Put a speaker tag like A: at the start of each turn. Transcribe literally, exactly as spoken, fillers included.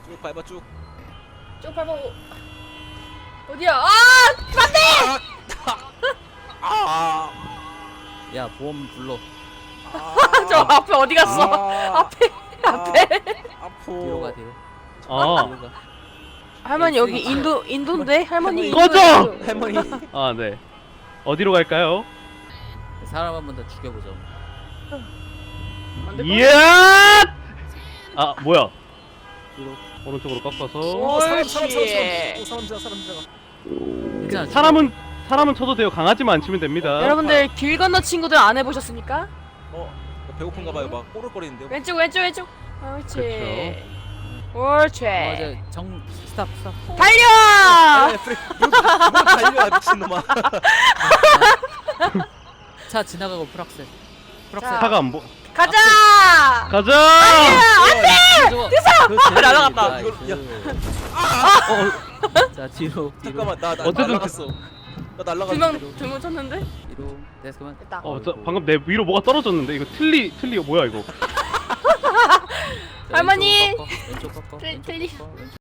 A: 쭉 밟아 쭉.
B: 쭉 밟아. 어디야? 아! 안돼!
A: 아.
C: 야 보험 불러.
B: 저 앞에 어디 갔어?
A: 아.
B: 앞에 앞에.
C: 뒤로 가
A: 아프.
C: 뒤로.
D: 아,
C: 뒤로 가.
B: 할머니 여기 인도 인도인데 할머니
D: 꺼져!
B: 인도예요.
A: 할머니.
D: 아, 네. 어디로 갈까요?
C: 사람 한 번 더 죽여보자.
B: 안 될 거야?
D: 이야! 아, 뭐야?
C: 뒤로.
D: 오른쪽으로 꺾어서.
A: 오 사람 사람 사람
B: 옳지.
A: 사람. 오 사람 지나 사람 지나.
C: 괜찮아.
D: 사람은 사람은 쳐도 돼요. 강아지만 안 치면 됩니다.
B: 여러분들 길 건너 친구들 안 해보셨습니까?
A: 어 배고픈가 봐요. 막 꼬르꼬리는데요.
B: 왼쪽 왼쪽 왼쪽. 옳지.
D: 그쵸.
B: 옳지.
C: 어, 이제 정 스탑 스탑.
B: 달려!
A: 아, 프리. 뭐 달려 미친놈아.
C: 차 지나가고 프락셀. 프락셀.
B: 자.
D: 차가 안 보.
B: 가자!
D: 가자!
C: 됐어.
B: 날아갔다.
A: 이걸- 야.
C: 자 뒤로 뒤로.
A: 잠깐만 나 나
D: 어쨌든
A: 날라갔어. 나 날라갔어.
B: 두명두명 쳤는데?
C: 뒤로. 됐어 그만.
B: 됐다.
D: 어, 저 방금 내 위로 뭐가 떨어졌는데 이거 틀리 틀리 뭐야 이거?
C: 자,
B: 할머니!
C: 왼쪽 꺾어. 왼쪽 꺾어.
B: 틀-
C: 왼쪽
B: 틀리-
C: 꺾어, 왼쪽